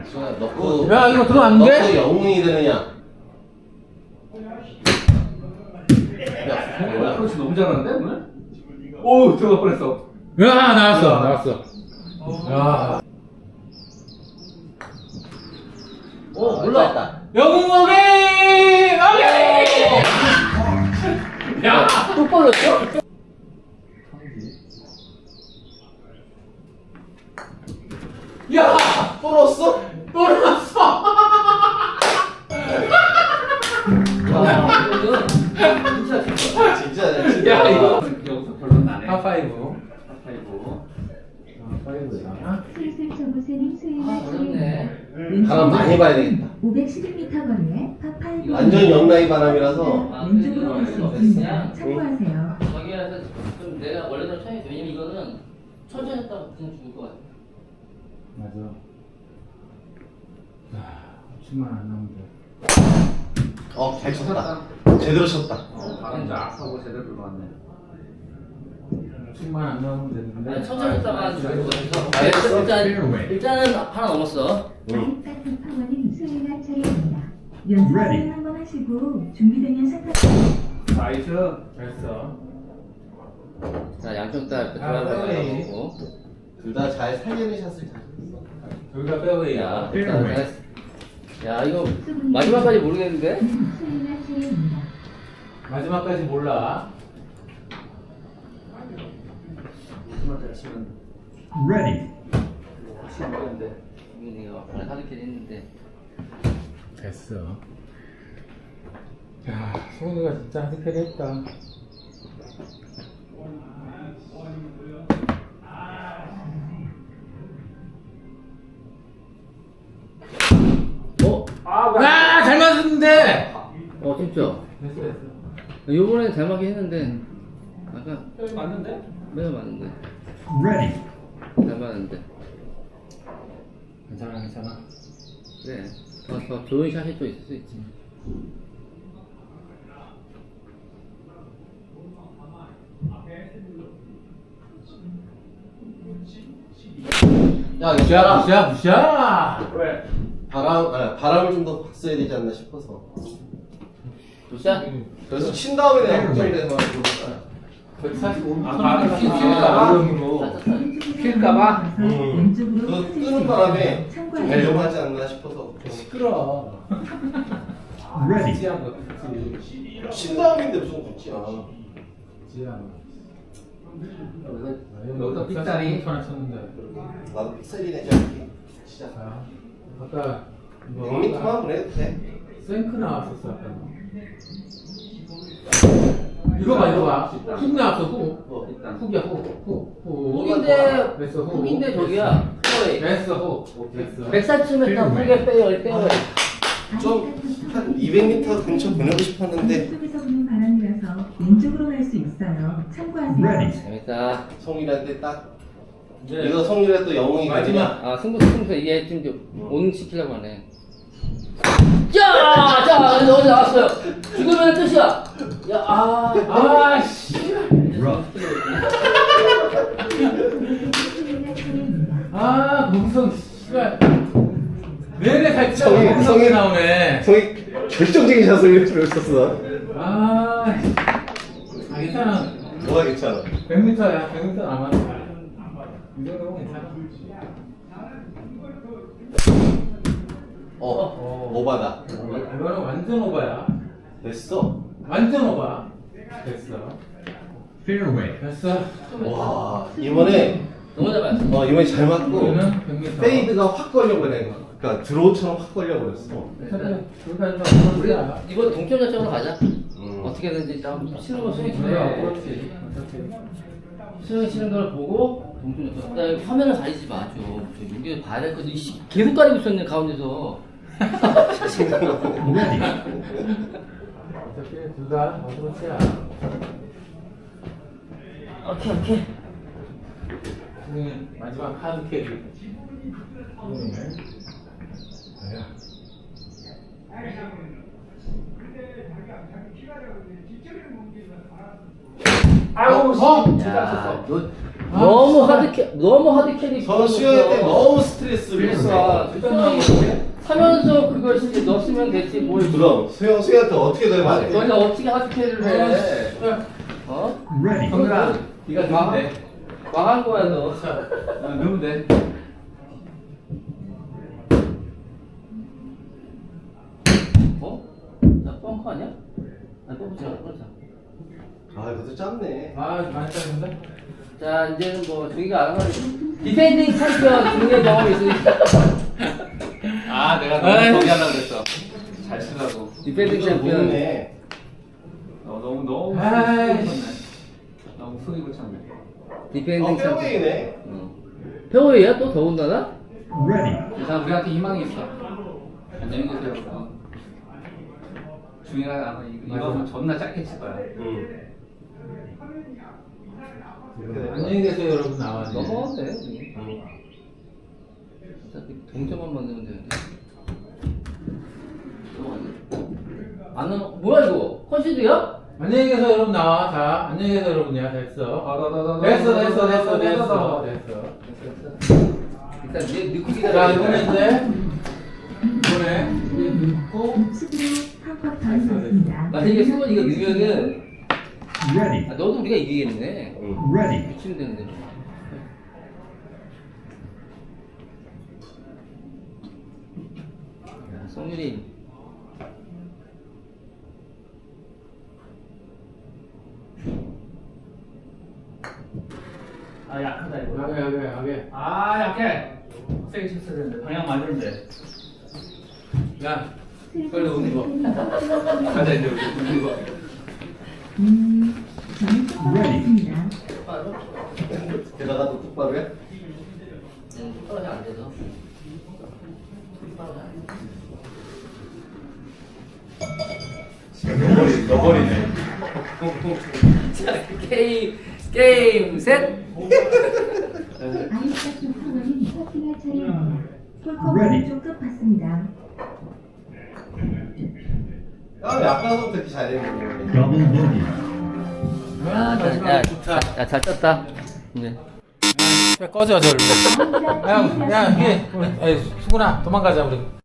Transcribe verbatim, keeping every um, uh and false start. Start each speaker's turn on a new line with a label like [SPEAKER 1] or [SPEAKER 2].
[SPEAKER 1] 넣고
[SPEAKER 2] 야 이거 들어왔는데?
[SPEAKER 1] 넣고 영웅이 되느냐?
[SPEAKER 3] 야, 뭐야? 그렇지 너무 잘하는데 오늘? 오 들어갈 뻔했어.
[SPEAKER 2] 야 나왔어
[SPEAKER 3] 야.
[SPEAKER 2] 나왔어. 야
[SPEAKER 1] 오 몰라.
[SPEAKER 2] 영웅 오게 오게. 야
[SPEAKER 1] 또 벌렸어?
[SPEAKER 2] 야
[SPEAKER 1] 또 넣었어?
[SPEAKER 2] 또 나왔어.
[SPEAKER 1] 진짜 진짜 진짜.
[SPEAKER 2] 야 이거
[SPEAKER 3] 여기서 결론 나네.
[SPEAKER 2] 파파이브.
[SPEAKER 3] 파이브.
[SPEAKER 2] 파파이브야.
[SPEAKER 4] 슬슬 저곳에는 수위가
[SPEAKER 3] 어렵네.
[SPEAKER 1] 바람 많이 봐야 되겠다.
[SPEAKER 4] 오백십일 미터 거리에 파파이브
[SPEAKER 1] 완전 옆라인 바람이라서.
[SPEAKER 3] 아,
[SPEAKER 4] 왼쪽으로 갈 수
[SPEAKER 3] 그래서
[SPEAKER 4] 있습니다. 참고하세요.
[SPEAKER 5] 저기에서 좀 내가 원래대로 천천히 왜냐면 이거는 천천히 했다가 그냥 죽을 것 같아.
[SPEAKER 2] 맞아. 야 칠만 안 나오는데.
[SPEAKER 1] 어, 잘 쳤다. 제대로 쳤다.
[SPEAKER 3] 어, 바람 쫙하고 제대로 들어왔네.
[SPEAKER 2] 칠만 안 나오면 되는데.
[SPEAKER 5] 아니, 천천히 했다가 죽을 것 같아서
[SPEAKER 1] 알겠어.
[SPEAKER 5] 일단, 일단은 하나 넘었어.
[SPEAKER 4] 아이파크 파워는 수행할 차례입니다. 연습을 한번 하시고 준비되면 사타.
[SPEAKER 3] 나이스.
[SPEAKER 2] 됐어.
[SPEAKER 5] 자 양쪽 다 이렇게
[SPEAKER 2] 아,
[SPEAKER 5] 돌아가고
[SPEAKER 2] 페어웨이.
[SPEAKER 5] 하고.
[SPEAKER 1] 둘 다 잘 살리는 샷을 잘 쳤어.
[SPEAKER 2] 여기가
[SPEAKER 5] 야,
[SPEAKER 2] 페어웨이야.
[SPEAKER 5] 일단 내가- 야 이거 마지막까지 모르겠는데?
[SPEAKER 4] 수행할 차례입니다.
[SPEAKER 2] 마지막까지 몰라.
[SPEAKER 3] 마지막에 치면
[SPEAKER 6] Ready.
[SPEAKER 3] 치는 거였는데.
[SPEAKER 5] 이거 내가 오늘 하드캐리 했는데.
[SPEAKER 2] 됐어. 야, 소은이가 진짜 하드캐리 했다.
[SPEAKER 5] 어?
[SPEAKER 2] 아, 잘 맞았는데!
[SPEAKER 5] 어 진짜.
[SPEAKER 2] 됐어, 됐어.
[SPEAKER 5] 요번에 잘 맞긴 했는데 아까
[SPEAKER 3] 여기 맞는데?
[SPEAKER 5] 매우 맞는데
[SPEAKER 6] Ready.
[SPEAKER 5] 잘 맞는데
[SPEAKER 2] 괜찮아, 괜찮아.
[SPEAKER 5] 그래 더, 더 좋은 샷이 또 있을 수 있지.
[SPEAKER 1] 야,
[SPEAKER 2] 무시야,
[SPEAKER 1] 이거야.
[SPEAKER 2] 무시야, 무시야!
[SPEAKER 3] 왜?
[SPEAKER 1] 바람, 아, 바람을 좀 더 봤어야 되지 않나 싶어서.
[SPEAKER 5] 도시야?
[SPEAKER 1] 그래서 친 다음에 내가 걱정돼서 그러니까.
[SPEAKER 2] 백사십오.
[SPEAKER 3] 아, 바람 피-
[SPEAKER 2] 아,
[SPEAKER 3] 피울까봐?
[SPEAKER 2] 필까봐?
[SPEAKER 1] 음.
[SPEAKER 4] 왼쪽으로
[SPEAKER 1] 그
[SPEAKER 4] 흩어질 수
[SPEAKER 1] 뜨는 바람에
[SPEAKER 4] 있어요.
[SPEAKER 1] 좀
[SPEAKER 4] 참고하세요.
[SPEAKER 1] 위험하지 않나 싶어서.
[SPEAKER 2] 시끄러.
[SPEAKER 6] Ready.
[SPEAKER 2] 지한 거, 그치.
[SPEAKER 1] 친 다음인데 무슨 굳지 않아.
[SPEAKER 2] 지한 거.
[SPEAKER 3] 여기서 삑다리.
[SPEAKER 2] 하나 쳤는데.
[SPEAKER 1] 나도 픽셀이 내지 않기. 진짜.
[SPEAKER 2] 자, 아까 뭐
[SPEAKER 1] 백 미터만 보내도 돼.
[SPEAKER 2] 생크 나왔었어 아까. 이거 봐 이거 봐. 훅 나왔어 훅.
[SPEAKER 1] 뭐.
[SPEAKER 3] 일단.
[SPEAKER 2] 훅이야 훅. 훅. 훅.
[SPEAKER 5] 훅인데
[SPEAKER 2] 됐어 훅.
[SPEAKER 5] 훅인데 저기야 페어웨이.
[SPEAKER 2] 됐어 훅. 됐어.
[SPEAKER 5] 백사십 미터 훅에 빼요 빼요.
[SPEAKER 1] 좀 한 이백 미터 근처 보내고 싶었는데
[SPEAKER 4] 왼쪽에서 부는 바람이라서 왼쪽으로 갈 수 있어요. 참고하세요.
[SPEAKER 6] Ready.
[SPEAKER 5] 재밌다.
[SPEAKER 1] 성일한테 딱
[SPEAKER 2] 이제
[SPEAKER 1] 이거 성일에 또 영웅이
[SPEAKER 2] 마지막.
[SPEAKER 5] 아 승부 승부 이게 지금 이제 온 시키려고 하네. 야, 자 여기 나왔어요. 죽으면 끝이야. 야, 아,
[SPEAKER 2] 아씨.
[SPEAKER 6] Rough.
[SPEAKER 4] 수행할 차례입니다.
[SPEAKER 2] 아 공성 씨발. 내내 살짝
[SPEAKER 1] 성이-
[SPEAKER 2] 공성이
[SPEAKER 1] 성이-
[SPEAKER 2] 나오네.
[SPEAKER 1] 성이 결정적인 샷을 쳤어.
[SPEAKER 2] 아. 아 괜찮아.
[SPEAKER 1] 뭐가 괜찮아?
[SPEAKER 2] 백 미터야. 백 미터 남았어. 이 정도면 괜찮아.
[SPEAKER 1] 어, 오바다.
[SPEAKER 2] 이거는 완전 오바야.
[SPEAKER 1] 됐어.
[SPEAKER 2] 완전 오바. 됐어.
[SPEAKER 6] Fairway.
[SPEAKER 2] 됐어.
[SPEAKER 1] 와, 이번에
[SPEAKER 5] 너무 잘 맞았어.
[SPEAKER 1] 어 이번에 잘 맞고
[SPEAKER 2] 이거는 백 미터.
[SPEAKER 1] 페이드가 확 걸려버려. 그러니까 드로우처럼 확 걸려버렸어.
[SPEAKER 5] 우리 이번 동점 자체로 가자.
[SPEAKER 1] 음.
[SPEAKER 5] 어떻게든지 일단 치는 거 스윙 치는
[SPEAKER 2] 그래,
[SPEAKER 5] 거
[SPEAKER 2] 그렇지. 어차피.
[SPEAKER 5] 스윙 치는 걸 보고 동점 자체. 그다음에 화면을 가리지 마 좀. 저 여기 봐야 될 거지. 이씨, 계속 가리고 있었네 가운데서.
[SPEAKER 6] Ready.
[SPEAKER 2] 어차피 둘다 어그렇지야.
[SPEAKER 5] 오케이 오케이.
[SPEAKER 2] 지금 마지막 카드 캐리. 아야.
[SPEAKER 3] 아유,
[SPEAKER 2] 어?
[SPEAKER 3] 진짜 쳤어.
[SPEAKER 5] 야, 너 너무 하드캐 너무 하드캐리.
[SPEAKER 1] 저 수영할 때 너무 스트레스를
[SPEAKER 5] 그러니까
[SPEAKER 1] 받았어요.
[SPEAKER 5] 하면서 그걸 이제 넣었으면 됐지 뭘.
[SPEAKER 1] 그럼 수영 수영할 때 어떻게 넣으면 안 돼?
[SPEAKER 5] 너희가 어떻게 하드캐리를 해? 어?
[SPEAKER 6] Ready.
[SPEAKER 3] 성민아, 네가 넣으면 돼.
[SPEAKER 5] 망한 거야 너.
[SPEAKER 3] 어, 넣으면 돼.
[SPEAKER 5] 어? 나 뻥커 아니야? 아니 뻥커지 마, 뻥커지 마.
[SPEAKER 1] 아 그것도 짧네.
[SPEAKER 2] 아 많이 짜는데?
[SPEAKER 5] 자 이제는 뭐 저기가 알아서 디펜딩 챔피언 중계 경험이 있으니까.
[SPEAKER 3] 아, 내가 너무 거기 하려고 그랬어. 잘 쓰라고.
[SPEAKER 5] 디펜딩
[SPEAKER 1] 이거
[SPEAKER 5] 챔피언.
[SPEAKER 1] 모르네.
[SPEAKER 3] 어, 너무 너무
[SPEAKER 2] 아이씨.
[SPEAKER 3] 속이 쳤네. 너무 속이 붙였네.
[SPEAKER 5] 디펜딩
[SPEAKER 1] 어
[SPEAKER 5] 챔피언.
[SPEAKER 1] 페어웨이네.
[SPEAKER 5] 응. 페어웨이야 또 더군다나?
[SPEAKER 6] Ready.
[SPEAKER 3] 일단 우리한테 희망이 있어. 안녕히 계세요. 어. 중이가 아마 이- 이거는 존나 짧게 칠 거야.
[SPEAKER 1] 응. 이렇게 되면
[SPEAKER 2] 안녕히 계세요 여러분 나와야
[SPEAKER 5] 넘어가도 돼 우리.
[SPEAKER 1] 응.
[SPEAKER 5] 어차피 동점만 만들면 되는데. 안 넘어. 뭐야 이거? 컨시드야?
[SPEAKER 2] 안녕히 계세요 여러분 나와. 자 안녕히 계세요 여러분이야. 됐어. 됐어 됐어 됐어 됐어 됐어.
[SPEAKER 5] 일단 얘 넣고
[SPEAKER 2] 자
[SPEAKER 5] 기다려.
[SPEAKER 2] 이번에 이제 이번에 이제 넣고
[SPEAKER 4] 수비로 한컵 더 넣습니다.
[SPEAKER 5] 만약에 수건이가 넣으면은
[SPEAKER 6] Ready.
[SPEAKER 5] 아, 너도 우리가 이기겠네.
[SPEAKER 1] 응.
[SPEAKER 6] Ready.
[SPEAKER 5] 미치면 되는데. 야, 성윤이.
[SPEAKER 3] 아 약하다 이거.
[SPEAKER 2] 하게 하게 하게.
[SPEAKER 3] 아 약해. 세게 쳤어야 되는데 방향 맞는데.
[SPEAKER 2] 야 빨리 오는 거.
[SPEAKER 3] 가자 이제 우리 웃는 거.
[SPEAKER 4] 음, 저는 똑바로습니다.
[SPEAKER 5] 똑바로?
[SPEAKER 1] 게다가 또 똑바로 해?
[SPEAKER 5] 응, 똑바로 안 돼서. 똑바로 안 돼.
[SPEAKER 1] 너버리 너버리네.
[SPEAKER 5] 자, 게임, 게임, 셋!
[SPEAKER 4] 아이스박스 프로그램 서팅할 차례입니다. 폴컵
[SPEAKER 6] Ready.
[SPEAKER 4] 왼쪽 끝봤습니다.
[SPEAKER 1] 아 약간부터 이렇게 잘했는데.
[SPEAKER 6] Double bogey.
[SPEAKER 2] 아 마지막
[SPEAKER 5] 야,
[SPEAKER 2] 좋다.
[SPEAKER 5] 야, 잘 떴다. 네.
[SPEAKER 2] 야 꺼져 저. 야야 이게 아이, 수근아 도망가자 우리.